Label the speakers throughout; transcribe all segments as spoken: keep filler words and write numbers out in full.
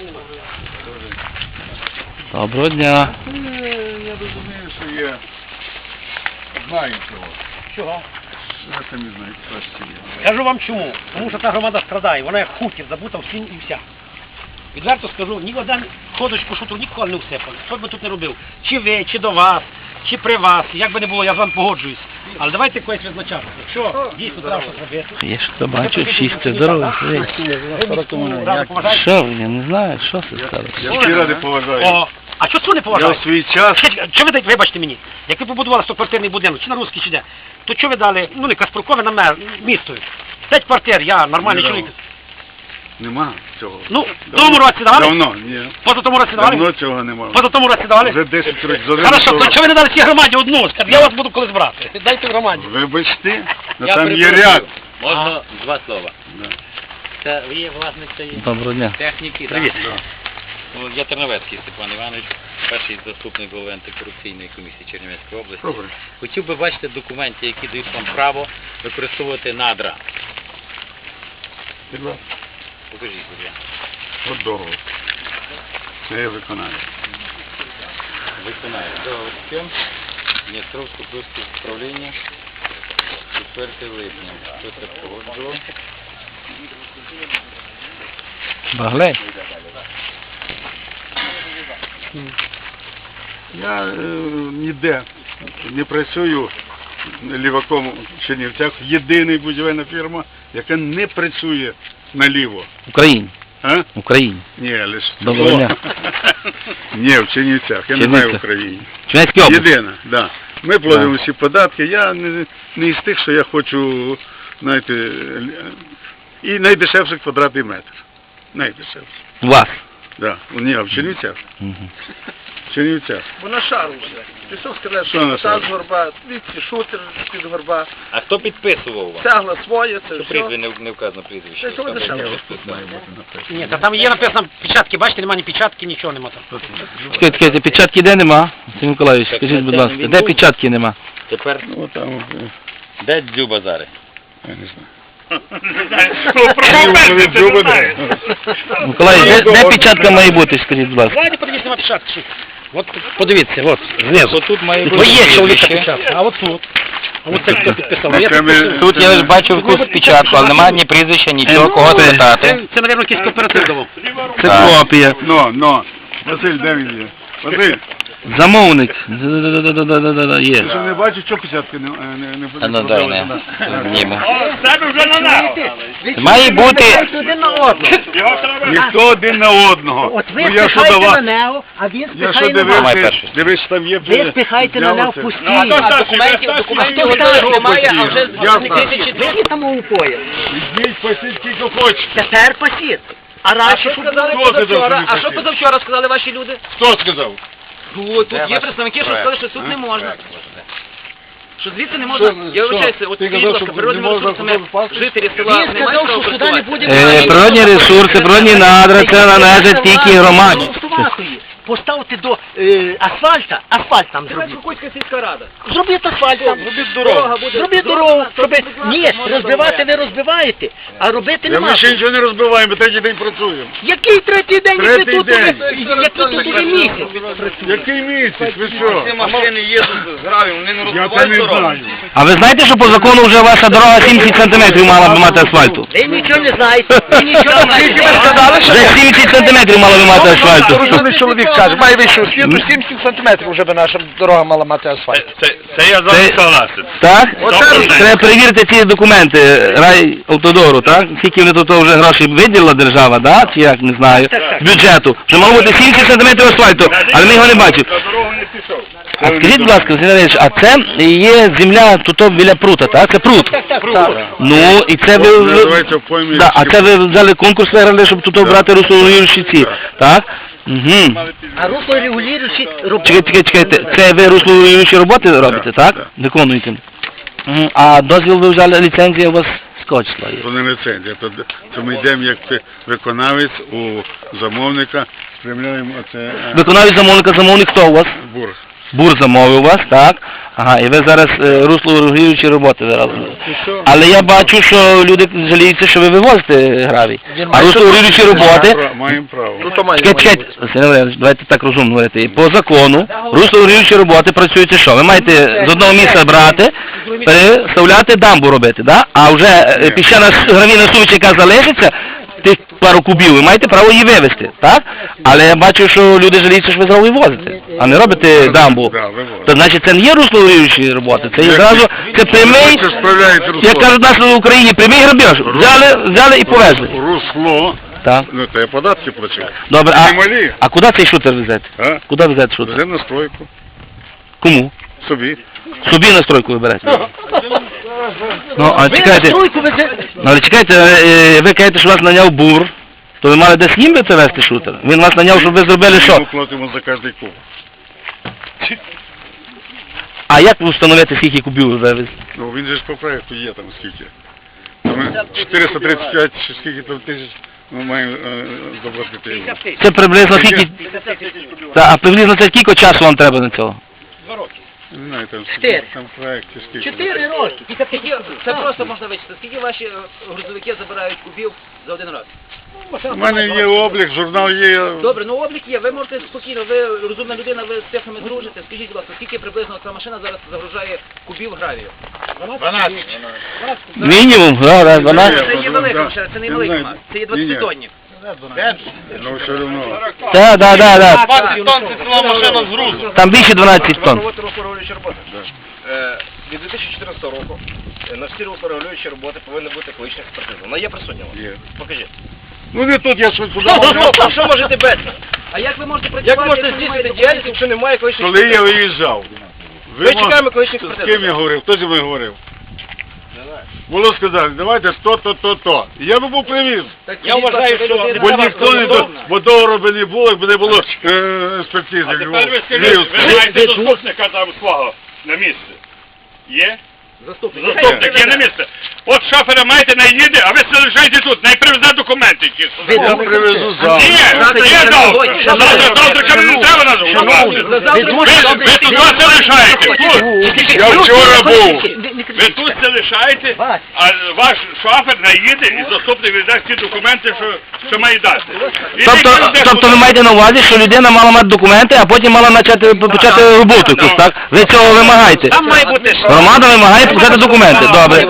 Speaker 1: питань немає.
Speaker 2: Доброго дня.
Speaker 3: Я розумію, що є. Знаю цього.
Speaker 1: Чого?
Speaker 3: Я самі знаю, що це є.
Speaker 1: Кажу вам чому. Тому що та громада страдає, вона як хутір, забута в сінь і вся. Відверто скажу, ні один ходочку шуту ніколи не всипали. Що б ви тут не робив? Чи ви, чи до вас, чи при вас, як би не було, я з вами погоджуюсь. Але давайте когось визначати. Якщо дійсно треба щось робити.
Speaker 2: Я ж то бачу, чисте здоров'я. Що ви, я не знаю, що це стало.
Speaker 3: Я всі ради поважаю.
Speaker 1: О, а що це не
Speaker 3: Я
Speaker 1: поважаєте?
Speaker 3: в свій час...
Speaker 1: Що ви дайте, вибачте мені, як ви побудували стоквартирний будинок, чи на русський, чи де, то що ви дали, ну не Каспрукове, на мер, місто. П'ять квартир, я нормальний
Speaker 3: Не
Speaker 1: чоловік.
Speaker 3: Нема цього.
Speaker 1: Ну, в тому році давали?
Speaker 3: Давно, ні.
Speaker 1: Поза тому році давали?
Speaker 3: Давно цього нема.
Speaker 1: Поза тому році давали?
Speaker 3: Вже десять років. за
Speaker 1: Хорошо,
Speaker 3: один
Speaker 1: то чого ви не дали цій громаді одну? Скажіть, я вас буду колись брати. Дайте в громаді.
Speaker 3: Вибачте, ну
Speaker 1: Я
Speaker 3: там є
Speaker 1: перепрошую.
Speaker 3: ряд.
Speaker 4: Можна два слова.
Speaker 3: Да.
Speaker 4: Це ви є власник цієї
Speaker 2: Доброго дня.
Speaker 4: техніки,
Speaker 1: Привіт.
Speaker 4: так? Ну, я Терновецький Степан Іванович, перший заступник голови антикорупційної комісії Чернівецької області.
Speaker 3: Добре.
Speaker 4: Хотів би бачити документи, які дають вам право використовувати надра.
Speaker 3: Будь ласка.
Speaker 4: Покажіть, будь ласка.
Speaker 3: От договор. Це я виконаю.
Speaker 4: Виконаю. Договор з ким? Дністровське плюске управління. четвертого липня. Хто це погоджував?
Speaker 2: Баглей.
Speaker 3: Я е, ніде не працюю ліваком в Чернівцях. Єдина будівельна фірма, яка не працює наліво.
Speaker 2: В Україні.
Speaker 3: А?
Speaker 2: В Україні.
Speaker 3: Ні, лише...
Speaker 2: Доброго дня.
Speaker 3: Ні, в Чернівцях. Я не
Speaker 2: Чернівцях.
Speaker 3: знаю в Україні.
Speaker 2: Чернівецькій області.
Speaker 3: Єдина, да. Ми платимо всі податки. Я не, не із тих, що я хочу, знаєте, л- і найдешевший квадратний метр. Найдешевший.
Speaker 2: У вас.
Speaker 3: Да. Ні, а в Чернівцях.
Speaker 2: Мгм.
Speaker 3: В Чернівцях.
Speaker 5: Бо на шару вже. Пішов сказати,
Speaker 3: Що
Speaker 5: що
Speaker 3: на
Speaker 5: та
Speaker 3: шару?
Speaker 5: з горба, звідси шутер під горба,
Speaker 4: А хто підписував вам?
Speaker 5: тягла своє, це
Speaker 4: Що
Speaker 5: все.
Speaker 4: прізвище не, не вказано прізвище?
Speaker 5: Це чого
Speaker 4: Там
Speaker 5: дешево?
Speaker 4: було
Speaker 3: Тут має бути написано.
Speaker 1: Ні, та там є написано печатки, бачите, немає ні печатки, нічого нема там.
Speaker 2: Чекайте, чекайте, печатки де нема? Сергій Миколаївич, скажіть, будь ласка, де печатки нема?
Speaker 4: Тепер
Speaker 3: Ну, там, е,
Speaker 4: де дзюба зараз?
Speaker 3: я не знаю.
Speaker 2: Миколаївич, де, де печатка має бути, скажіть, будь ласка?
Speaker 1: Давайте подивіться на печатки. От подивіться, от, знизу.
Speaker 4: Тут має
Speaker 1: Бо є чоловіка печатка, а от тут. А от це хто підписав. Я
Speaker 3: Це ми-
Speaker 1: підписую.
Speaker 4: Тут я ж бачу якусь печатку, але немає ні прізвища, нічого, кого
Speaker 1: Це,
Speaker 4: спитати.
Speaker 1: це, мабуть, якийсь кооператив давав.
Speaker 2: Це
Speaker 4: Так.
Speaker 2: копія.
Speaker 3: Ну, ну. Василь, де він є? Василь,
Speaker 2: Замовник. Да-да-да-да-да-да-да,
Speaker 3: ти
Speaker 2: є.
Speaker 3: що не бачиш, що печатки не, не, не
Speaker 4: А ну дай не зніму.
Speaker 1: Ви
Speaker 4: Має бути...
Speaker 1: один на одного.
Speaker 3: Ніхто один на одного.
Speaker 1: От ви
Speaker 3: Ну, я що
Speaker 1: спихаєте
Speaker 3: давав?
Speaker 1: на нього, а він
Speaker 3: Я що
Speaker 1: спихає на вас.
Speaker 4: Давай
Speaker 3: дивився,
Speaker 4: перший.
Speaker 3: дивись, там є...
Speaker 1: Ви спихаєте на нього
Speaker 3: взялося.
Speaker 1: пусті.
Speaker 5: А документів, документів готових немає, а вже
Speaker 3: Я
Speaker 5: з
Speaker 3: знаю.
Speaker 5: тисячі
Speaker 1: Ви там у пояс.
Speaker 3: Візьміть, посіть, скільки хочете.
Speaker 1: Тепер посід. А
Speaker 5: А
Speaker 1: раніше
Speaker 5: що
Speaker 1: що
Speaker 5: сказали
Speaker 3: Хто сказав, що
Speaker 5: позавчора?
Speaker 3: не
Speaker 5: А що
Speaker 3: хотів?
Speaker 5: позавчора сказали ваші люди?
Speaker 3: Хто сказав?
Speaker 5: Ну, тут
Speaker 4: Де
Speaker 5: є
Speaker 4: ваш
Speaker 5: представники, що
Speaker 4: проект?
Speaker 5: сказали, що тут
Speaker 3: А?
Speaker 5: не можна.
Speaker 4: Так,
Speaker 5: Що звідси не можна,
Speaker 3: Що-
Speaker 5: я
Speaker 3: що?
Speaker 5: вибачаюся, от
Speaker 3: Ти
Speaker 5: скажіть,
Speaker 3: казав,
Speaker 5: будь ласка,
Speaker 3: що
Speaker 5: природними
Speaker 3: не можна
Speaker 5: ресурсами
Speaker 3: футбол пасти?
Speaker 5: жителі
Speaker 1: Він
Speaker 5: села не мають
Speaker 1: сказав,
Speaker 5: права
Speaker 1: що сюди не буде
Speaker 5: користуватися.
Speaker 2: Е, природні ресурси, природні надра, це належить тільки громаді.
Speaker 1: Поставте до е, асфальта, асфальт там
Speaker 5: Це
Speaker 1: зробіть.
Speaker 5: Кукуцька сільська рада.
Speaker 1: Зробіть асфальт там.
Speaker 3: Зробіть
Speaker 5: Дорога
Speaker 3: дорогу.
Speaker 5: буде.
Speaker 1: Зробіть
Speaker 5: Дорога,
Speaker 1: дорогу.
Speaker 5: щоб
Speaker 1: Зробіть.
Speaker 5: будувати
Speaker 1: Ні,
Speaker 5: можна
Speaker 1: розбивати
Speaker 5: було.
Speaker 1: ви розбиваєте, а робити
Speaker 3: Я
Speaker 1: нема.
Speaker 3: ми ще нічого не розбиваємо, ми третій день працюємо.
Speaker 1: Який третій день, як ви
Speaker 3: Третій
Speaker 1: тут
Speaker 3: день.
Speaker 1: уже, як ви тут уже місяць?
Speaker 3: Який місяць? Ви що?
Speaker 5: машини їдуть з гравію, вони не
Speaker 3: Я це не знаю.
Speaker 2: А ви знаєте, що по закону вже ваша дорога сімдесят сантиметрів мала б мати асфальту?
Speaker 1: Ви нічого не знаєте, ви нічого не знаєте.
Speaker 2: Вже сімдесят сантиметрів мала б мати асфальту.
Speaker 5: Розумний чоловік каже, має вищу освіту, сімдесят сантиметрів вже би наша дорога мала мати асфальт.
Speaker 6: Це я
Speaker 2: Це-
Speaker 6: согласен.
Speaker 2: Так?
Speaker 6: Оце-
Speaker 2: Треба перевірити ці документи райавтодору, так? Скільки вони тут вже грошей виділила держава, да? Чи як, не знаю, з бюджету. Вже мало бути сімдесят сантиметрів асфальту, але ми його не бачимо.
Speaker 6: На дорогу не пішов.
Speaker 2: А скажіть, будь ласка, Сергій Іванович, а це є земля тут біля прута, так? Це прут. Ну, і це ви... ви-
Speaker 3: Називається в поймі.
Speaker 2: Да, а це ви взяли конкурс виграли, щоб тут брати руслорегулюючі ці, так? Угу.
Speaker 1: А русло регулюючі роботи.
Speaker 2: Чекайте, чекайте, чекайте, це ви руслорегулюючі роботи робите, так?
Speaker 3: так.
Speaker 2: Виконуєте. Угу. А дозвіл ви взяли, ліцензія у вас з кого числа є?
Speaker 3: То не ліцензія, то, то ми йдемо як ти- виконавець у замовника, спрямляємо оце е,
Speaker 2: Виконавець замовника, замовник хто у вас?
Speaker 3: бург.
Speaker 2: Бур замовив вас, так? Ага, і ви зараз е, руслорегулюючі роботи зараз. Але я бачу, що люди жаліються, що ви вивозите гравій. А руслорегулюючі роботи...
Speaker 3: Маємо право.
Speaker 5: Ну, то має.
Speaker 2: Чекайте, чекайте, Василь Валерійович, давайте так розумно говорити. По закону, руслорегулюючі роботи працюють що? Ви маєте з одного місця брати, переставляти дамбу робити, да? А вже е, піщана гравійна суміш, яка залишиться, тих пару кубів, ви маєте право її вивезти, так? Але я бачу, що люди жаліються, що ви зразу вивозите, а не робите дамбу.
Speaker 3: Да, вивозимо.
Speaker 2: То значить це не є руслорегулюючі роботи, це є зразу, це прямий,
Speaker 3: Це справляється русло.
Speaker 2: як кажуть нас в Україні, прямий грабіж. Взяли, взяли і повезли.
Speaker 3: Русло,
Speaker 2: Так.
Speaker 3: ну то я податки плачу.
Speaker 2: Добре,
Speaker 3: Не
Speaker 2: а,
Speaker 3: малі.
Speaker 2: а куди цей шутер везете?
Speaker 3: А?
Speaker 2: Куди везете шутер?
Speaker 3: Вже на стройку.
Speaker 2: Кому?
Speaker 3: Собі.
Speaker 2: Собі настройку виберете. Ну, а чекайте, ну, але чекайте, е, ви кажете, що вас наняв бур, то ви мали десь їм би це вести шутер? Він вас наняв, щоб ви зробили що?
Speaker 3: Ми платимо за кожний куб.
Speaker 2: А як ви встановити, скільки кубів ви вивезли?
Speaker 3: Ну він же ж по проекту є там скільки. Там чотириста тридцять п'ять чи скільки там тисяч ми маємо е, заплатити йому.
Speaker 2: Це приблизно скільки... Та, а приблизно це скільки часу вам треба на цього?
Speaker 3: Не знаю, там,
Speaker 6: Чотири.
Speaker 3: там в проекті скільки.
Speaker 6: Чотири роки.
Speaker 7: Скільки, це просто можна вичислити. Скільки ваші е, грузовики забирають кубів за один раз?
Speaker 3: У мене є облік, журнал є.
Speaker 7: Добре, ну облік є, ви можете спокійно, ви розумна людина, ви з технами дружите. Скажіть, будь ласка, скільки приблизно ця машина зараз загружає кубів гравію?
Speaker 2: Мінімум, да, да, дванадцять.
Speaker 7: Це є велика машина, це не
Speaker 3: Я
Speaker 7: маленька,
Speaker 3: знаю.
Speaker 7: це є
Speaker 3: Ні-ні.
Speaker 7: двадцятитонник.
Speaker 3: Ну все одно.
Speaker 2: Так, так, так, так.
Speaker 7: двадцять тонн це ціла машина з грузу.
Speaker 2: Там більше дванадцять тонн.
Speaker 7: Проводити руслорегулюючі роботи. Е, Від дві тисячі чотирнадцятого року е, на всі руслорегулюючі роботи повинна бути екологічна експертиза. Вона є присутня у вас?
Speaker 3: Є.
Speaker 7: Покажіть.
Speaker 3: Ну не тут, я щось туди.
Speaker 7: Ну, що можете без? А як ви можете працювати,
Speaker 6: Як ви можете
Speaker 7: якщо немає
Speaker 6: здійснити
Speaker 7: документів?
Speaker 6: діяльність, якщо немає екологічної
Speaker 3: Коли я виїжджав, ви
Speaker 7: Ми
Speaker 3: мож-
Speaker 7: чекаємо екологічних
Speaker 3: з
Speaker 7: експертиз.
Speaker 3: ким я говорив? Хто зі мною говорив? Було сказали, давайте то, то, то, то. І я би був привіз.
Speaker 7: Так,
Speaker 6: Я вважаю,
Speaker 7: скажіть,
Speaker 6: що-
Speaker 7: ви людина,
Speaker 3: Бо
Speaker 7: вас
Speaker 3: ніхто не до,
Speaker 7: розумна.
Speaker 3: бо договору би не було, якби не було е, експертизи.
Speaker 8: А тепер ви скажіть, ви маєте заступника там свого на місці? Є?
Speaker 7: Заступник.
Speaker 8: Заступник є на місці. От шофера маєте, не їде, а ви залишаєте тут, не привезе документи якісь.
Speaker 3: Я привезу
Speaker 8: Ні,
Speaker 3: завтра.
Speaker 8: ні, завтра. Завтра, завтра кому не треба нас вбивати. Ви, ви тут вас залишаєте, тут.
Speaker 3: Я вчора був.
Speaker 8: Ви тут залишаєте, а ваш шофер наїде і заступник віддасть ті документи, що, що має дати. І
Speaker 2: Тобто,
Speaker 8: ніхто не
Speaker 2: тобто ви
Speaker 8: буде.
Speaker 2: маєте на увазі, що людина мала мати документи, а потім мала почати, почати роботу якусь, так? Ви цього вимагаєте?
Speaker 6: Там має бути
Speaker 2: Громада вимагає почати документи, добре.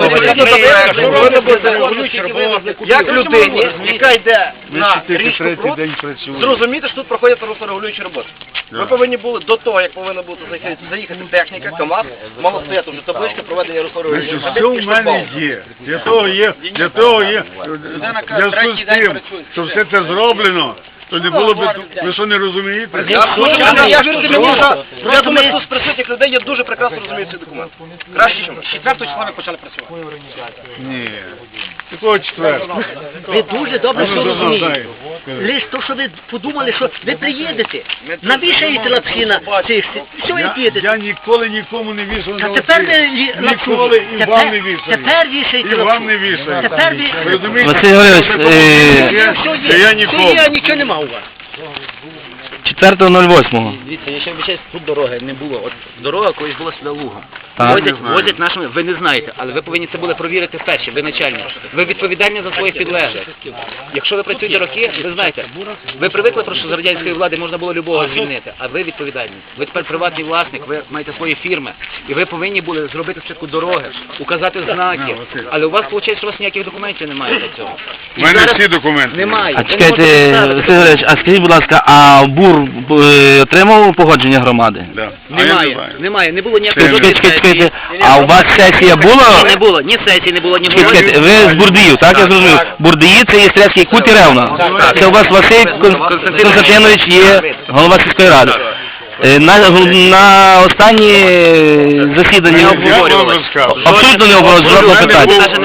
Speaker 6: як людині, яка йде на
Speaker 3: Тільки
Speaker 6: річку
Speaker 3: третій
Speaker 6: пруд,
Speaker 3: день працюю.
Speaker 6: зрозуміти, що тут проходять руслорегулюючі роботи. Ви повинні були до того, як повинна бути заїхати, заїхати техніка, КАМАЗ, мало стояти вже табличка проведення руслорегулюючих
Speaker 3: Значить, все в мене є. Для того є, для того є, в зв'язку з тим, що все це зроблено, то не було б, ви що не розумієте?
Speaker 7: Я думаю, що тут з присутніх людей я дуже прекрасно розумію цей документ. Краще, ніж ми. четвертого числа ми почали працювати.
Speaker 3: Ні. Такого четвертого.
Speaker 6: Ви дуже добре
Speaker 3: Ну,
Speaker 6: що
Speaker 3: ну,
Speaker 6: розумієте.
Speaker 3: дай.
Speaker 6: Лиш то, що ви подумали, що ви приїдете, навішаєте лапші на цих, все
Speaker 3: Я,
Speaker 6: і підете.
Speaker 3: я ніколи нікому не вішав
Speaker 6: Та
Speaker 3: на
Speaker 6: тепер
Speaker 3: лапці.
Speaker 6: ви лі- лапшу.
Speaker 3: Ніколи і
Speaker 6: Тепер-
Speaker 3: вам не вішаю.
Speaker 6: Тепер вішаєте
Speaker 3: І
Speaker 6: лапшу.
Speaker 3: вам не вішаю.
Speaker 6: Тепер ви...
Speaker 3: Ви розумієте?
Speaker 2: Василь Григорович,
Speaker 3: Це
Speaker 2: е,
Speaker 3: такого,
Speaker 6: Все
Speaker 3: що я
Speaker 6: є,
Speaker 3: нікому.
Speaker 6: все є, нічого нема у вас.
Speaker 2: четвертого ноль восьмого.
Speaker 7: Дивіться, я ще обіцяю, тут дороги не було. От дорога колись була сюди лугом.
Speaker 2: Так.
Speaker 7: Возять,
Speaker 3: Не знаю.
Speaker 7: возять нашими, ви не знаєте, але ви повинні це були провірити вперше, ви начальник. Ви відповідальні за своїх підлеглих. Якщо ви працюєте роки, ви знаєте, ви привикли, просто, що за радянської влади можна було любого звільнити, а ви відповідальні. Ви тепер приватний власник, ви маєте свої фірми, і ви повинні були зробити спочатку дороги, указати знаки, але у вас виходить, що у вас ніяких документів немає для цього.
Speaker 3: У мене всі документи.
Speaker 7: Немає.
Speaker 2: А
Speaker 7: Ви не
Speaker 2: чекайте,
Speaker 7: можете
Speaker 2: Василь
Speaker 7: представити.
Speaker 2: Григорович, а скажіть, будь ласка, а БУР е, отримав погодження громади?
Speaker 3: Да. А я не
Speaker 7: Немає,
Speaker 3: знаю.
Speaker 7: немає, не було ніякої
Speaker 3: Це-
Speaker 7: жодної
Speaker 2: Чекайте, чекайте,
Speaker 7: сесії.
Speaker 2: чекайте, а у вас сесія була?
Speaker 7: Не було, ні сесії не було, ні
Speaker 2: Чекайте,
Speaker 7: було.
Speaker 2: чекайте, ви з Бурдиїв, так, я зрозумів? Бурдиї це є Стрельський кут і Ревна.
Speaker 7: так.
Speaker 2: Це у вас Василь Кон- Константинович є голова сільської ради. Е, На, на останні засідання
Speaker 3: Я вам розказав.
Speaker 2: абсолютно не обговорювали жодного
Speaker 3: У мене
Speaker 2: питання.
Speaker 3: був,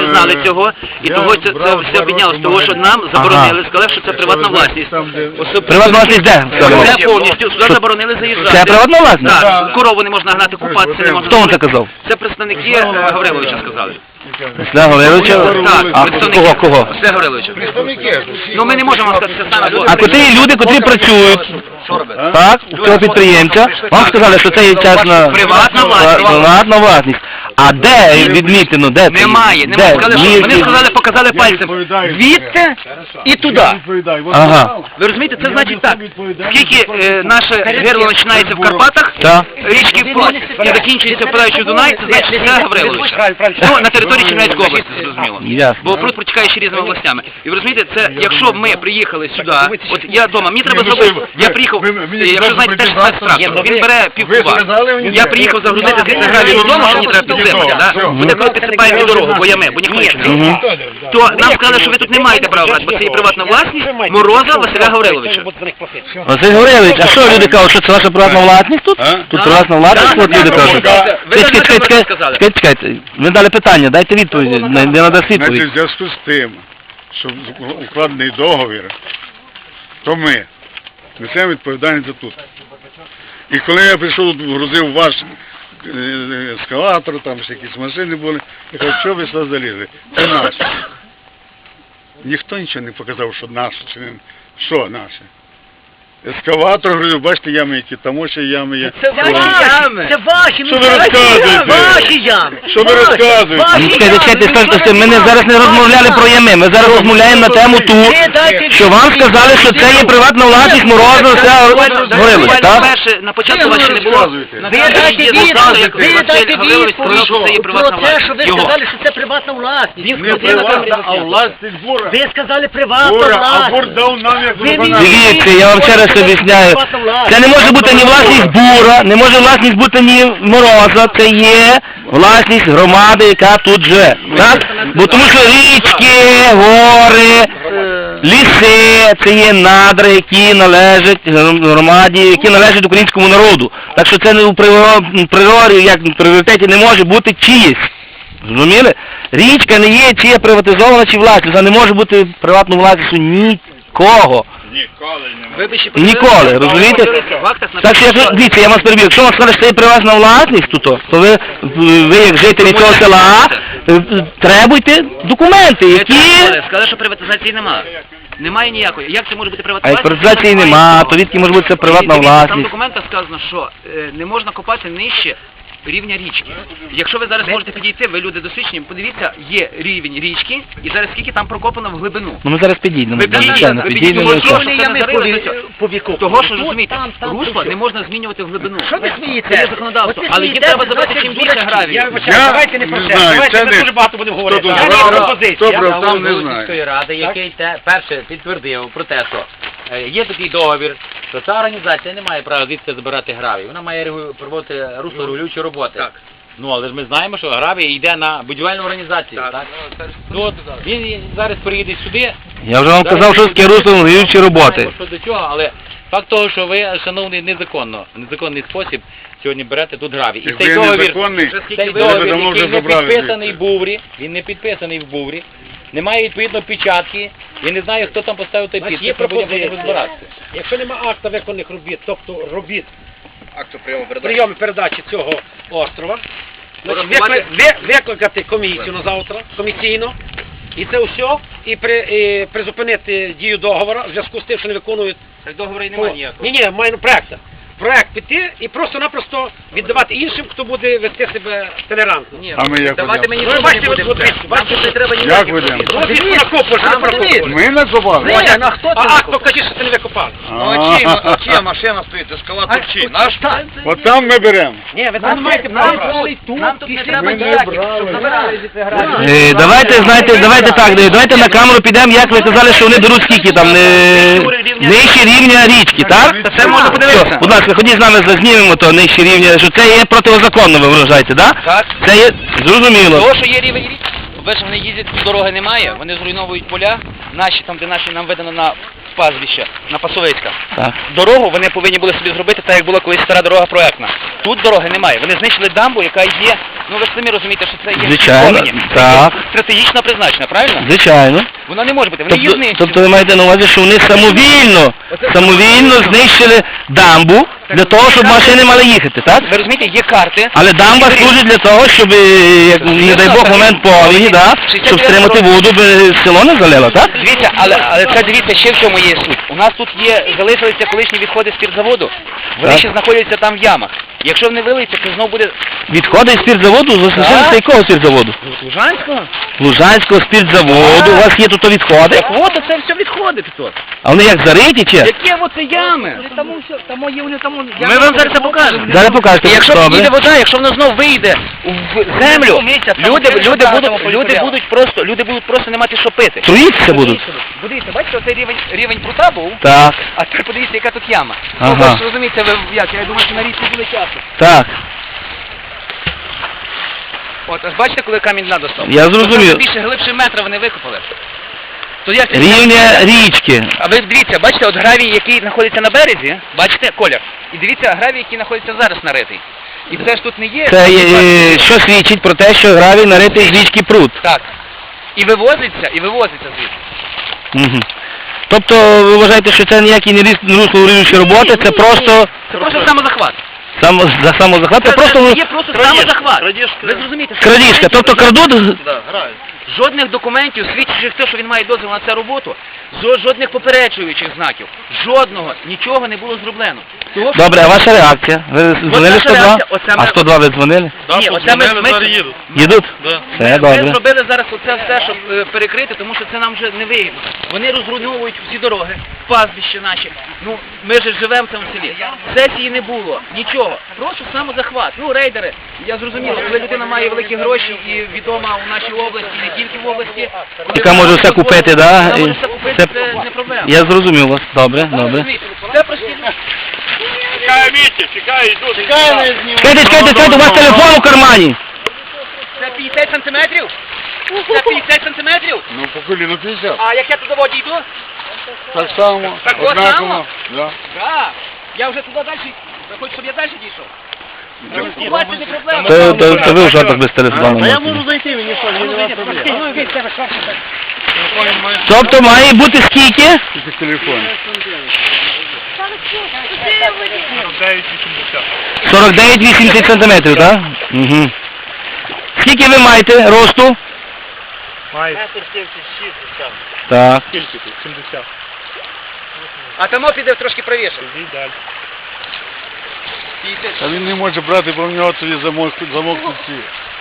Speaker 7: знали цього, і
Speaker 3: я
Speaker 7: того це,
Speaker 3: брав
Speaker 7: це
Speaker 3: два
Speaker 7: все піднялося,
Speaker 3: роки
Speaker 7: того, що
Speaker 3: магазин.
Speaker 7: нам заборонили, сказали, що це приватна власність.
Speaker 3: Там, де-
Speaker 7: Особ-
Speaker 2: Приватна власність де?
Speaker 7: Це повністю, сюди заборонили заїжджати.
Speaker 2: Це приватна власність?
Speaker 7: Так, корову не можна гнати, купатися не можна.
Speaker 2: Хто вам це казав?
Speaker 7: Це представники е, Гавриловича сказали.
Speaker 2: Василя Гавриловича?
Speaker 7: Так,
Speaker 2: А
Speaker 7: представники.
Speaker 2: кого, кого?
Speaker 7: Василя Гавриловича. Ну ми не можемо вам сказати, це саме.
Speaker 2: А котрі люди, котрі працюють, так, у цього підприємця, вам сказали, що це є частна
Speaker 7: Приватна власність.
Speaker 2: приватна власність. А де відмітено, де це?
Speaker 7: Немає,
Speaker 2: Де?
Speaker 7: немає. Сказали, що,
Speaker 2: Ні,
Speaker 7: вони
Speaker 2: ні.
Speaker 7: сказали, показали пальцем. Звідти і туди.
Speaker 3: Відповідай. От
Speaker 2: Ага.
Speaker 3: знав,
Speaker 7: Ви розумієте, це
Speaker 3: Я
Speaker 7: значить
Speaker 3: несу
Speaker 7: так.
Speaker 3: відповідальність
Speaker 7: Скільки
Speaker 3: за
Speaker 7: е, наше герло починається в Карпатах,
Speaker 2: Так.
Speaker 7: річки Плот, і закінчується впадаючи в Дунай, це значить це Гаврилович. Ну, на території Чернівецької області, зрозуміло.
Speaker 2: Ясно.
Speaker 7: Бо пруд протікає ще різними областями. І ви розумієте, це якщо ми приїхали сюди, от я вдома, мені треба
Speaker 3: Ні, ну
Speaker 7: зробити,
Speaker 3: що ви,
Speaker 7: я
Speaker 3: ви-
Speaker 7: приїхав,
Speaker 3: ви- мені
Speaker 7: е, якщо
Speaker 3: треба
Speaker 7: знаєте, теж
Speaker 3: прийти
Speaker 7: спецтрактор,
Speaker 3: завтра.
Speaker 7: він бере пів
Speaker 3: Ви
Speaker 7: куба.
Speaker 3: сказали мені?
Speaker 7: Я приїхав загрузити звідси гравій додому, що мені треба підсипати, да? Буде коли підсипаємо дорогу, бо ями, бо ніхто нічого не робить. То нам сказали, що ви тут не маєте права брати, бо це є приватна власність Мороза Василя Гавриловича.
Speaker 2: Василь Гаврилович, а що люди кажуть, що це ваша приватна власність тут?
Speaker 3: А?
Speaker 2: Тут приватна власність, от люди кажуть.
Speaker 7: Ви
Speaker 2: Чекайте,
Speaker 7: так
Speaker 2: чекайте,
Speaker 7: сказали.
Speaker 2: чекайте, чекайте. Ви дали питання, дайте відповідь, не, не надасть
Speaker 3: Значить,
Speaker 2: відповідь.
Speaker 3: в зв'язку з тим, що укладений договір, то ми несемо відповідальність за тут. І коли я прийшов, грузив ваш е, ескалатор, там ще якісь машини були, я кажу, що ви сюди залізли? Це наше. Ніхто нічого не показав, що наше, чи не що наше. Ескаватор, говорю, бачите, ями які, там ще ями є.
Speaker 6: Це ваші ями. Це ваші,
Speaker 3: Що ви розказуєте?
Speaker 6: Ваші ями.
Speaker 3: Що ви розказуєте?
Speaker 2: Ну, чекайте, чекайте, скажіть, ми не, зараз не розмовляли про ями, ми зараз розмовляємо на тему ту, що вам сказали, що це є приватна власність Мороза Василя Гавриловича, так?
Speaker 7: Перше, на початку
Speaker 3: Ви
Speaker 7: вас ще не було.
Speaker 3: розказуєте.
Speaker 7: На
Speaker 6: Ви
Speaker 7: першій
Speaker 6: дайте
Speaker 7: є застали, як
Speaker 6: відповідь, ви
Speaker 7: Василь
Speaker 6: дайте
Speaker 7: Гаврилович сказав, що це є
Speaker 6: відповідь
Speaker 7: приватна
Speaker 6: про те, що ви
Speaker 7: власність. Його.
Speaker 6: сказали, що це приватна власність.
Speaker 3: Не приватна, а власність бура.
Speaker 6: Ви сказали приватна
Speaker 3: Бура, а бур
Speaker 6: власність.
Speaker 3: дав нам як
Speaker 6: Ви мені-
Speaker 3: виконання.
Speaker 2: Дивіться, я вам ще раз об'ясняю. Це не може бути ні власність Бура, не може власність бути ні Мороза, це є власність громади, яка тут живе. Так? Бо тому що річки, гори, ліси, це є надра, які належать громаді, які належать українському народу. Так що це не у приро- природі, як в пріоритеті не може бути чиїсь. Зрозуміли? Річка не є чи є приватизована, чи власність, а не може бути приватною власністю нікого.
Speaker 8: Ніколи не
Speaker 7: Ви б ще
Speaker 2: Ніколи,
Speaker 7: подивилися,
Speaker 2: розумієте?
Speaker 7: в актах
Speaker 2: Так що, якщо, дивіться, я вам переб'ю, якщо вам скажуть, що це є приватна власність, тут, то ви, ви як жителі цього села, е, требуйте документи,
Speaker 7: Ви
Speaker 2: які...
Speaker 7: сказали, сказали, що приватизації немає. Немає ніякої. Як це може бути приватна
Speaker 2: А як
Speaker 7: власність?
Speaker 2: приватизації
Speaker 7: Немає
Speaker 2: нема,
Speaker 7: нічого.
Speaker 2: то відки може бути це приватна
Speaker 7: Дивіться, Там в
Speaker 2: власність.
Speaker 7: документах сказано, що е, не можна копати нижче рівня річки. Якщо ви зараз можете підійти, ви люди досвідчені, подивіться, є рівень річки, і зараз скільки там прокопано в глибину.
Speaker 2: Ну ми зараз підійдемо,
Speaker 7: Ви підійдіть,
Speaker 2: звичайно,
Speaker 7: ви
Speaker 2: підійдемо.
Speaker 7: підійдіть,
Speaker 2: що-
Speaker 7: що це не зарили, того, що розумієте, русло не можна змінювати в глибину.
Speaker 6: Що ви
Speaker 7: Це
Speaker 6: смієтеся?
Speaker 7: є законодавство,
Speaker 6: От ви
Speaker 7: але їм
Speaker 6: смієтеся,
Speaker 7: треба забрати
Speaker 6: значить,
Speaker 7: чим більше
Speaker 6: дурачки.
Speaker 7: гравію.
Speaker 1: Я вибачаю,
Speaker 3: Я
Speaker 1: давайте не про
Speaker 3: не
Speaker 1: це.
Speaker 3: знаю,
Speaker 1: Давайте
Speaker 3: це
Speaker 1: ми
Speaker 3: не-
Speaker 1: дуже багато будемо говорити.
Speaker 3: тут
Speaker 1: Я
Speaker 3: добре,
Speaker 1: маю
Speaker 3: добре,
Speaker 1: пропозицію.
Speaker 3: добре.
Speaker 1: Я-
Speaker 3: Там не знаю.
Speaker 4: Міської ради, який те, перше підтвердив про те, що е, є такий договір, що ця організація не має права звідси забирати гравій. Вона має регу- проводити русло регулюючі роботи.
Speaker 7: Так.
Speaker 4: Ну, але ж ми знаємо, що гравій йде на будівельну організацію, так? Ну, от він зараз приїде сюди.
Speaker 2: Я вже вам казав, що таке русло регулюючі роботи.
Speaker 4: Що до чого, але факт того, що ви, шановний, незаконно, в незаконний спосіб сьогодні берете тут гравій. І
Speaker 3: Якби
Speaker 4: цей
Speaker 3: я
Speaker 4: договір,
Speaker 3: незаконний,
Speaker 4: цей
Speaker 3: ви
Speaker 4: договір,
Speaker 3: давно
Speaker 4: який
Speaker 3: вже
Speaker 4: не
Speaker 3: забрали
Speaker 4: підписаний
Speaker 3: звідси.
Speaker 4: в Буврі, він не підписаний в Буврі, немає відповідно печатки, я не знаю, хто там поставив той
Speaker 1: Значить,
Speaker 4: підпис,
Speaker 1: є
Speaker 4: ми будемо
Speaker 1: пропозиція.
Speaker 4: розбиратися.
Speaker 1: Якщо нема акта виконаних робіт, тобто робіт
Speaker 6: Акту прийому передачі.
Speaker 1: прийому передачі цього острова, значить,
Speaker 7: Порахувати.
Speaker 1: викли- ви- викликати комісію на завтра, комісійно, і це все, і, при, і призупинити дію договору в зв'язку з тим, що не виконують...
Speaker 7: Так договору і немає ніякого.
Speaker 1: Ні, ні, маю проекта. Проект піти і просто-напросто віддавати іншим, хто буде вести себе толерантно.
Speaker 7: Ні,
Speaker 3: А ми як
Speaker 7: давайте
Speaker 3: ведемо?
Speaker 7: мені
Speaker 1: Ну,
Speaker 7: нічого
Speaker 1: бачите,
Speaker 7: не
Speaker 1: от-
Speaker 7: будемо.
Speaker 1: от дивіться,
Speaker 7: Нам тут не треба
Speaker 3: Як
Speaker 7: ніяких
Speaker 3: ведемо?
Speaker 7: робіт.
Speaker 1: Ну, дивіться, накопуєш,
Speaker 7: Нам
Speaker 1: не прокопуєш.
Speaker 3: Ми накопали.
Speaker 1: Ні,
Speaker 6: Ні, а хто це
Speaker 1: а акт
Speaker 6: накопав?
Speaker 1: покажи, що ти не викопав.
Speaker 3: А,
Speaker 6: Чия машина стоїть, ескалатор чий? Наш?
Speaker 3: От там ми беремо.
Speaker 1: Ні, ви там не маєте права.
Speaker 7: Нам тут не треба
Speaker 3: Ми не
Speaker 7: ніяких,
Speaker 3: брали.
Speaker 7: щоб забирали звідси гравій.
Speaker 2: Е, Давайте, знаєте, давайте так, давайте на камеру підемо, як ви казали, що вони беруть скільки там, не... нижче рівня річки, так?
Speaker 7: Це можна подивитися.
Speaker 2: Все, будь ласка, ходіть з нами, зазнімемо то нижче рівня, що це є протизаконно, ви вважаєте, так?
Speaker 7: Так.
Speaker 2: Це є зрозуміло.
Speaker 7: Того, що є рівень річки, по-перше, вони їздять, дороги немає, вони зруйновують поля, наші там, де наші нам видано на в пазвище на Пасовицька.
Speaker 2: Так.
Speaker 7: Дорогу вони повинні були собі зробити так, як була колись стара дорога проектна. Тут дороги немає. Вони знищили дамбу, яка є, ну ви ж самі розумієте, що це є
Speaker 2: Звичайно,
Speaker 7: повинні.
Speaker 2: так.
Speaker 7: Стратегічно призначена, правильно?
Speaker 2: Звичайно.
Speaker 7: Вона не може бути, вони її
Speaker 2: Тобто,
Speaker 7: знищили.
Speaker 2: тобто ви маєте на увазі, що вони самовільно, самовільно знищили дамбу для того, щоб машини мали їхати, так?
Speaker 7: Ви розумієте, є карти.
Speaker 2: Але дамба служить для того, щоб, е, як, не дай Бог, момент повені, да, щоб стримати воду, би село не залило, так?
Speaker 7: Дивіться, але, але це дивіться, ще в чому є суть. У нас тут є, залишилися колишні відходи спіртзаводу. Вони
Speaker 2: Так.
Speaker 7: ще знаходяться там в ямах. Якщо вони вилиються, то знову буде
Speaker 2: Відходи з спіртзаводу,
Speaker 7: Так.
Speaker 2: залишилися якого спіртзаводу?
Speaker 7: Лужанського.
Speaker 2: Лужанського спіртзаводу, у вас є тут відходи?
Speaker 7: Так от це все відходить тут.
Speaker 2: А вони як зариті чи?
Speaker 7: Які оце ями? Там все, там є вони там. Ми вам зараз це покажемо.
Speaker 2: Зараз покажете,
Speaker 7: І якщо
Speaker 2: добре.
Speaker 7: піде вода, якщо воно знов вийде в землю, люди, люди будуть, люди будуть просто, люди будуть просто не мати що пити.
Speaker 2: Труїтися будуть?
Speaker 7: Подивіться, бачите, оцей рівень, рівень прута був,
Speaker 2: Так,
Speaker 7: а тепер подивіться, яка тут яма.
Speaker 2: Ага.
Speaker 7: Ну, ви ж розумієте, ви як, я думаю, що на річці буде часу.
Speaker 2: так.
Speaker 7: От, аж бачите, коли камінь дна достав?
Speaker 2: Я зрозумів.
Speaker 7: Там більше глибше метра вони викопали. То як це-
Speaker 2: Рівня річки.
Speaker 7: А ви дивіться, бачите, от гравій, який знаходиться на березі, бачите, колір. І дивіться, гравій, який знаходиться зараз наритий. І це ж тут не є.
Speaker 2: Це е, що свідчить про те, що гравій наритий з річки пруд.
Speaker 7: Так. І вивозиться, і вивозиться звідси.
Speaker 2: Угу. Тобто ви вважаєте, що це ніякі не руслоурівнюючі роботи, це просто
Speaker 7: Це просто самозахват.
Speaker 2: само, за самозахват, це просто
Speaker 7: є просто самозахват. Ви зрозумієте, що
Speaker 2: крадіжка. Тобто крадуть.
Speaker 7: жодних документів, свідчучих те, що він має дозвіл на цю роботу, жо- жодних попереджуючих знаків, жодного, нічого не було зроблено. Того, що-
Speaker 2: Добре, а ваша реакція? Ви дзвонили
Speaker 7: наша
Speaker 2: сто два?
Speaker 7: реакція, оце
Speaker 2: А
Speaker 7: ми-
Speaker 2: сто два ви дзвонили?
Speaker 7: Ні, оце ми, ми,
Speaker 2: Їдуть? Все,
Speaker 7: Ми
Speaker 2: добре.
Speaker 7: зробили зараз оце все, щоб е, перекрити, тому що це нам вже не вигідно. Вони розруйновують всі дороги, пастбища наші. Ну, ми ж живемо в цьому селі. Сесії не було, нічого. Просто самозахват. Ну, рейдери, я зрозумів, коли людина має великі гроші і відома у нашій області, не тільки в області. коли
Speaker 2: Яка
Speaker 7: вона
Speaker 2: може все купити, да?
Speaker 7: Вона може
Speaker 2: І
Speaker 7: все купити,
Speaker 2: це-
Speaker 7: це не проблема.
Speaker 2: Я зрозумів вас. Добре, добре.
Speaker 7: Це прості люди.
Speaker 8: Чекай, Вітя, чекай, йду.
Speaker 2: Чекайте, чекайте, чекайте, у вас телефон у кармані.
Speaker 7: Це п'ятдесят сантиметрів? Це п'ятдесят сантиметрів?
Speaker 3: Ну, по коліну п'ятдесят.
Speaker 7: А як я туди воді йду?
Speaker 3: Так само,
Speaker 7: Так от само?
Speaker 3: однаково. Да.
Speaker 7: Так. Я вже туди далі. Ви хочете, щоб я далі дійшов? Спілкуватися не проблема.
Speaker 2: То, то, то ви в жартах без телефону.
Speaker 1: я
Speaker 2: можете.
Speaker 1: можу зайти, мені що, мені немає проблем.
Speaker 7: Ну, від тебе що?
Speaker 2: Тобто має бути скільки?
Speaker 3: Тільки телефон.
Speaker 2: сорок дев'ять вісімдесят сантиметрів, так? Угу. Скільки ви маєте росту? Так.
Speaker 7: А тому піде трошки правіше.
Speaker 3: А він не може брати, бо в нього тоді замок, замок тут всі.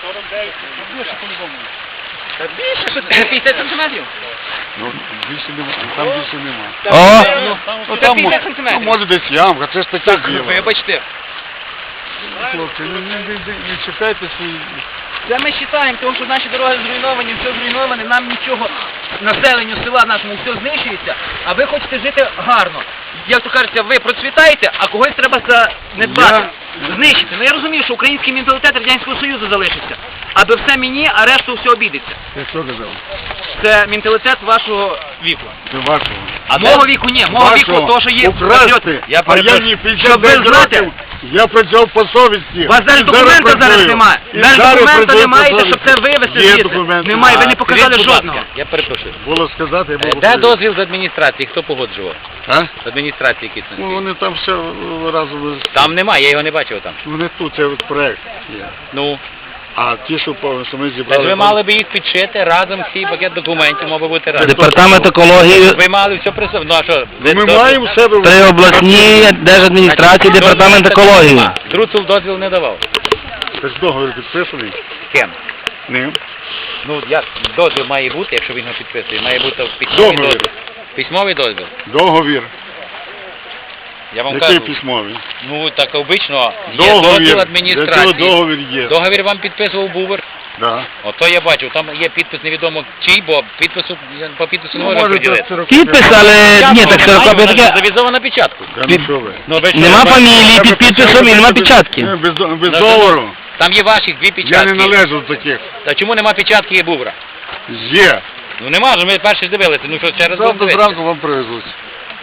Speaker 7: Та більше, що це п'ятдесят сантиметрів?
Speaker 3: Ну, більше нема, там більше нема.
Speaker 2: О,
Speaker 3: Ну,
Speaker 7: Це
Speaker 3: там,
Speaker 7: п'ятдесят
Speaker 3: мо-
Speaker 7: сантиметрів.
Speaker 3: ну, може десь ямка, це ж таке діло.
Speaker 7: Вибачте.
Speaker 3: Хлопці, не, не, не, не чекайте свої...
Speaker 7: Це ми вважаємо, тому що наші дороги зруйновані, все зруйноване, нам нічого, населенню села нашому все знищується, а ви хочете жити гарно. Як то кажеться, ви процвітаєте, а когось треба занедбати, знищити. Ну я розумію, що український менталітет Радянського Союзу залишиться. Аби все мені, а решту все обійдеться.
Speaker 3: Ти що казав?
Speaker 7: Це менталітет вашого віку.
Speaker 3: Це вашого.
Speaker 7: А мого віку ні, мого віку
Speaker 3: Вашого.
Speaker 7: то, що є
Speaker 3: Украсти,
Speaker 7: патріоти.
Speaker 3: а я
Speaker 7: перепрошую.
Speaker 3: не
Speaker 7: Щоб
Speaker 3: п'ятдесят
Speaker 7: ви знати,
Speaker 3: років, я працював по совісті.
Speaker 7: у вас навіть
Speaker 3: І
Speaker 7: документа зараз
Speaker 3: працюю.
Speaker 7: немає.
Speaker 3: І
Speaker 7: Навіть
Speaker 3: зараз
Speaker 7: документа
Speaker 3: працюю
Speaker 7: не
Speaker 3: по
Speaker 7: маєте,
Speaker 3: совісті.
Speaker 7: щоб це вивезти
Speaker 3: Є
Speaker 7: звідси.
Speaker 3: документи.
Speaker 7: Немає, ви не
Speaker 3: А,
Speaker 7: показали
Speaker 4: Скажіть, будь ласка,
Speaker 7: жодного.
Speaker 4: Я перепрошую.
Speaker 3: Було сказати, я
Speaker 4: Е,
Speaker 3: було
Speaker 4: Де
Speaker 3: сказати.
Speaker 4: дозвіл з адміністрації? Хто погоджував?
Speaker 3: А?
Speaker 4: З адміністрації якийсь?
Speaker 3: Ну, вони там все е, разом... з-
Speaker 4: Там немає, я його не бачив там.
Speaker 3: Вони тут, це от проект є.
Speaker 4: Ну,
Speaker 3: А ті, що, по- що ми
Speaker 4: так
Speaker 3: зібрали...
Speaker 4: ви
Speaker 3: там-
Speaker 4: мали би їх підшити разом, всі пакет документів мав би бути разом.
Speaker 2: департамент екології
Speaker 4: Ви мали все при собі. Ну а що? ви
Speaker 3: Ми
Speaker 4: дозвіл-
Speaker 3: маємо в себе...
Speaker 2: при обласній держадміністрації,
Speaker 4: Значить,
Speaker 2: департамент
Speaker 4: дозволу
Speaker 2: екології.
Speaker 4: нема. Друцул дозвіл не давав.
Speaker 3: Тож договір підписаний?
Speaker 4: Ким?
Speaker 3: Ним.
Speaker 4: Ну, як дозвіл має бути, якщо він його підписує? Має бути письмовий
Speaker 3: Договір.
Speaker 4: дозвіл. Письмовий дозвіл.
Speaker 3: Договір.
Speaker 4: Я вам
Speaker 3: Який
Speaker 4: кажу.
Speaker 3: письмовий?
Speaker 4: Ну, так обично є дозвіл
Speaker 3: Договір. Для цього
Speaker 4: адміністрації.
Speaker 3: договір є.
Speaker 4: Договір вам підписував Бубер.
Speaker 3: Да.
Speaker 4: Ото я бачу, там є підпис невідомо чий, бо підпису, я по підпису не
Speaker 3: Ну,
Speaker 4: можу
Speaker 3: може,
Speaker 4: приділити.
Speaker 3: це
Speaker 2: Підпис, але ні, так сорок таке.
Speaker 4: Завізована печатку.
Speaker 3: Я
Speaker 2: Під-
Speaker 3: ну що ви?
Speaker 4: Ну, ви що,
Speaker 2: Нема
Speaker 4: ви-
Speaker 2: фамілії під підписом і нема
Speaker 3: Без-
Speaker 2: печатки.
Speaker 3: Без, до- без
Speaker 4: Ну,
Speaker 3: договору.
Speaker 4: Там є ваших дві
Speaker 3: Я
Speaker 4: печатки.
Speaker 3: не належу до таких.
Speaker 4: Та чому нема печатки є Бубра?
Speaker 3: Є.
Speaker 4: Ну нема ж, ми перші ж дивилися, ну що, ще раз будемо
Speaker 3: Завтра
Speaker 4: дивитися.
Speaker 3: зранку вам привезуть.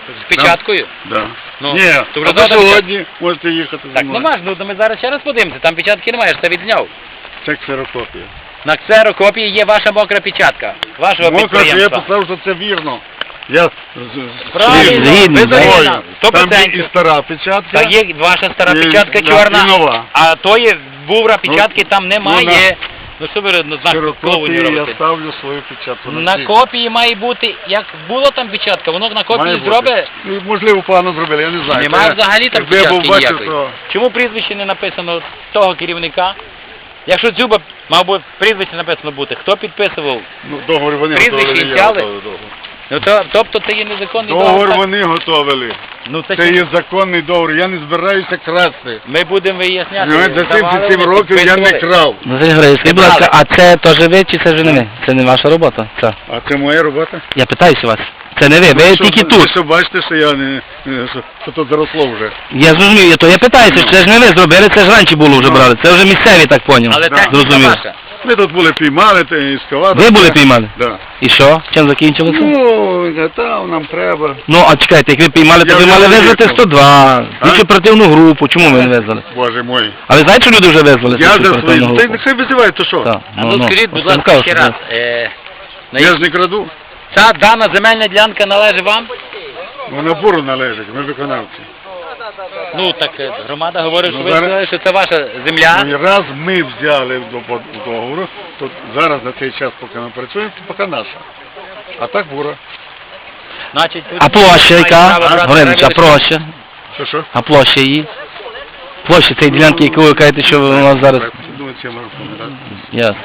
Speaker 4: З печаткою?
Speaker 3: Да.
Speaker 4: Ну,
Speaker 3: Ні,
Speaker 4: то вже
Speaker 3: а ви
Speaker 4: завтра
Speaker 3: сьогодні можете їхати зі
Speaker 4: Так,
Speaker 3: мною.
Speaker 4: нема ж, ну то ми зараз ще раз подивимося, там печатки немає, я ж це відзняв.
Speaker 3: Це ксерокопія.
Speaker 4: На ксерокопії є ваша мокра печатка, вашого
Speaker 3: Мокра, що я
Speaker 4: підприємства.
Speaker 3: писав, що це вірно. Я з- з-
Speaker 4: Правильно,
Speaker 2: Згідно,
Speaker 4: ви
Speaker 2: да.
Speaker 4: згідно,
Speaker 3: Там
Speaker 4: сто
Speaker 3: є і
Speaker 4: процентів.
Speaker 3: стара печатка.
Speaker 4: Так є ваша стара
Speaker 3: І-
Speaker 4: печатка
Speaker 3: да,
Speaker 4: чорна,
Speaker 3: і нова.
Speaker 4: а тої бувра печатки там
Speaker 3: ну,
Speaker 4: немає. Ну що ви на знак
Speaker 3: Ксерокопії
Speaker 4: повинні
Speaker 3: я
Speaker 4: робити?
Speaker 3: ставлю свою печатку.
Speaker 4: На
Speaker 3: всі.
Speaker 4: копії має бути, як було там печатка, воно на
Speaker 3: Має
Speaker 4: копії
Speaker 3: бути.
Speaker 4: зробить.
Speaker 3: Ну, можливо, погано зробили, я не знаю.
Speaker 4: Немає
Speaker 3: Я-
Speaker 4: взагалі там
Speaker 3: якби я був
Speaker 4: печатки
Speaker 3: бачив,
Speaker 4: ніякої.
Speaker 3: то...
Speaker 4: Чому прізвище не написано того керівника? Якщо Дзюба, мав би прізвище написано бути, хто підписував?
Speaker 3: Ну, договор вони
Speaker 4: Прізвище
Speaker 3: готовили, я
Speaker 4: взяли?
Speaker 3: готовий договор.
Speaker 4: Ну то, тобто це є незаконний
Speaker 3: Договор
Speaker 4: договор. так?
Speaker 3: вони готовили.
Speaker 4: Ну це,
Speaker 3: Це
Speaker 4: чи-
Speaker 3: є законний договор, я не збираюся красти.
Speaker 4: ми будемо виясняти.
Speaker 3: Ну, за
Speaker 4: давали
Speaker 3: сімдесят сім
Speaker 4: вони,
Speaker 3: років я не
Speaker 4: підписували.
Speaker 3: крав.
Speaker 2: Василь Григорович, скажіть, будь ласка, а це теж ви чи це вже не ви? Це не ваша робота? Це.
Speaker 3: А це моя робота?
Speaker 2: Я питаюся вас. Це не ви, ви
Speaker 3: Що-
Speaker 2: тільки
Speaker 3: ви
Speaker 2: тут.
Speaker 3: що бачите, що я не, не- що, що тут заросло вже.
Speaker 2: Я зрозумів, я то я питаюся, що це ж не ви зробили, це ж раніше було вже брали. Це вже місцеві, так поняв.
Speaker 4: Але
Speaker 3: Да.
Speaker 4: техніка
Speaker 2: Зрозумів.
Speaker 4: ваша.
Speaker 3: Ми тут були піймали, те, ескаватор.
Speaker 2: Ви були піймали?
Speaker 3: Да.
Speaker 2: І що? Чим закінчилося?
Speaker 3: Ну, там нам треба.
Speaker 2: Ну, а чекайте, як ви піймали, то
Speaker 3: Я
Speaker 2: ви
Speaker 3: вже
Speaker 2: мали визвати
Speaker 3: виїхав.
Speaker 2: сто два,
Speaker 3: А?
Speaker 2: слідчу оперативну групу, чому ви не визвали?
Speaker 3: Боже мой.
Speaker 2: А ви знаєте, що люди вже визвали
Speaker 3: Я
Speaker 2: слідчу
Speaker 3: за
Speaker 2: оперативну
Speaker 3: свої. Та й
Speaker 2: групу?
Speaker 3: нехай визивають, то що?
Speaker 2: Так,
Speaker 4: А ну скажіть, будь
Speaker 2: Ось я
Speaker 4: ласка,
Speaker 2: кажу,
Speaker 4: ще
Speaker 2: що
Speaker 4: раз.
Speaker 2: ви-
Speaker 4: Е, на
Speaker 3: Я ж не краду.
Speaker 4: ця дана земельна ділянка належить вам?
Speaker 3: Вона буру належить, ми виконавці.
Speaker 4: Ну так е, громада говорить, що
Speaker 3: Ну,
Speaker 4: ви
Speaker 3: зараз-
Speaker 4: сказали, що це ваша земля.
Speaker 3: Ну, і раз ми взяли до до договору, то зараз на цей час, поки ми працюємо, то поки наша. А так бура.
Speaker 4: Значить, тут
Speaker 2: А площа
Speaker 4: немає
Speaker 2: яка?
Speaker 4: права брати
Speaker 2: Гринич, а
Speaker 4: землю.
Speaker 2: площа?
Speaker 3: Що що?
Speaker 2: А площа її? Площа цієї ділянки, яку ви кажете, що у нас зараз...
Speaker 3: Думаю, це можу пам'ятати.
Speaker 2: Ясно.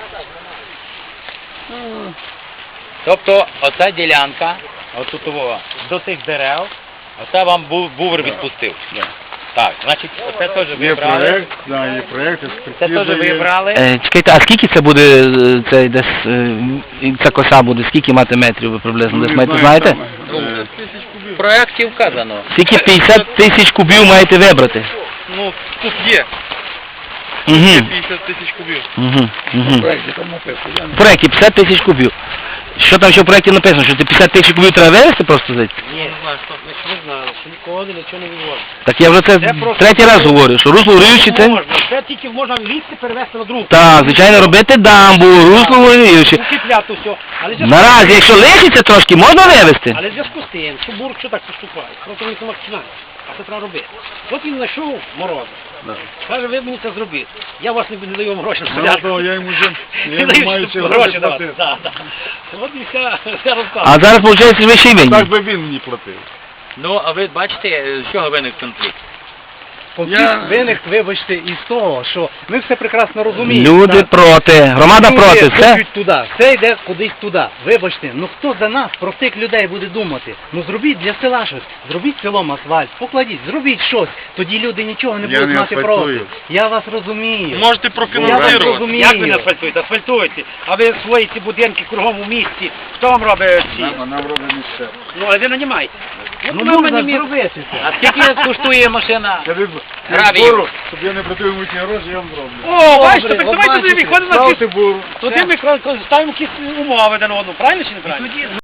Speaker 4: Тобто оця ділянка, отут о, до тих дерев, оце вам був бувер відпустив.
Speaker 3: Да.
Speaker 4: Так, значить, оце теж ви
Speaker 3: Є
Speaker 4: брали.
Speaker 3: проєкт, да, є проєкт,
Speaker 4: Це теж
Speaker 3: експертиза
Speaker 4: ви
Speaker 3: є.
Speaker 4: брали.
Speaker 2: Е, чекайте, а скільки це буде, е, це десь, е, ця коса буде, скільки мати метрів ви приблизно,
Speaker 3: Ну,
Speaker 2: десь
Speaker 3: не
Speaker 2: маєте,
Speaker 3: знаю,
Speaker 2: знаєте?
Speaker 3: там, е,
Speaker 4: В проєкті вказано.
Speaker 2: Скільки п'ятдесят тисяч кубів маєте вибрати?
Speaker 6: Ну, тут є
Speaker 2: Угу.
Speaker 6: п'ятдесят тисяч кубів.
Speaker 2: Угу. Угу.
Speaker 3: в проєкті там написано, я не-
Speaker 2: В проєкті п'ятдесят тисяч кубів. Що там ще в проєкті написано, що це п'ятдесят тисяч кубів треба вивезти просто звідси?
Speaker 1: Ні, не знаю, що, ми ж не знали, що нікого нічого не відвозить.
Speaker 2: Так я вже це
Speaker 1: Це просто-
Speaker 2: третій раз говорю, що русло горюче це...
Speaker 1: Можна, це тільки можна лізти перевезти на другу.
Speaker 2: Так, звичайно, робити дамбу, русло горюче.
Speaker 1: Укріпляти все. Але в зв'язку-
Speaker 2: Наразі, якщо лишиться трошки, можна вивезти?
Speaker 1: Але в зв'язку з тим, що бурк що так поступає, просто він сама починає. А це треба робити. От він знайшов мороза.
Speaker 3: Да.
Speaker 1: Каже, ви мені це зробіть. Я вас не, не даю вам гроші.
Speaker 3: Ну, то я йому вже, я
Speaker 1: Не
Speaker 3: йому
Speaker 1: даю
Speaker 3: маю
Speaker 1: щоб
Speaker 3: ці
Speaker 1: гроші
Speaker 3: гроші
Speaker 1: давати.
Speaker 3: платити.
Speaker 1: Да, да. От і вся, вся розказка.
Speaker 2: А зараз, виходить, ви ще й винні.
Speaker 3: Так би він мені платив.
Speaker 4: Ну, а ви бачите, з чого виник конфлікт?
Speaker 3: Я-
Speaker 5: Виник, вибачте, із того, що ми все прекрасно розуміємо.
Speaker 2: Люди
Speaker 5: так?
Speaker 2: проти, громада
Speaker 5: Люди
Speaker 2: проти, все.
Speaker 5: хочуть туди, все йде кудись туди. Вибачте, ну хто за нас, про тих людей буде думати? Ну зробіть для села щось, зробіть селом асфальт, покладіть, зробіть щось. Тоді люди нічого не
Speaker 3: Я
Speaker 5: будуть
Speaker 3: не
Speaker 5: мати
Speaker 3: асфальтую.
Speaker 5: проти. Я вас розумію.
Speaker 6: Можете
Speaker 5: Я вас
Speaker 6: профінансувати.
Speaker 5: розумію.
Speaker 1: Як ви не асфальтуєте? Асфальтуєте. А ви свої ці будинки кругом у місті. Хто вам робить ці?
Speaker 3: Нам, нам робить місце.
Speaker 1: Ну, а ви нанімаєте. От
Speaker 5: Ну
Speaker 1: ми
Speaker 5: можна
Speaker 1: нанімаємо.
Speaker 5: зробити це.
Speaker 4: А скільки коштує машина?
Speaker 3: Я від
Speaker 4: Гравію.
Speaker 3: збору, щоб я не платив йому ті гроші, я вам зроблю.
Speaker 1: О, бачите,
Speaker 5: Добре,
Speaker 1: так
Speaker 5: от
Speaker 1: давайте туди
Speaker 5: бачите,
Speaker 1: виходимо на
Speaker 3: Ставте буру.
Speaker 1: Туди ми ставимо якісь умови один одному, правильно чи не правильно?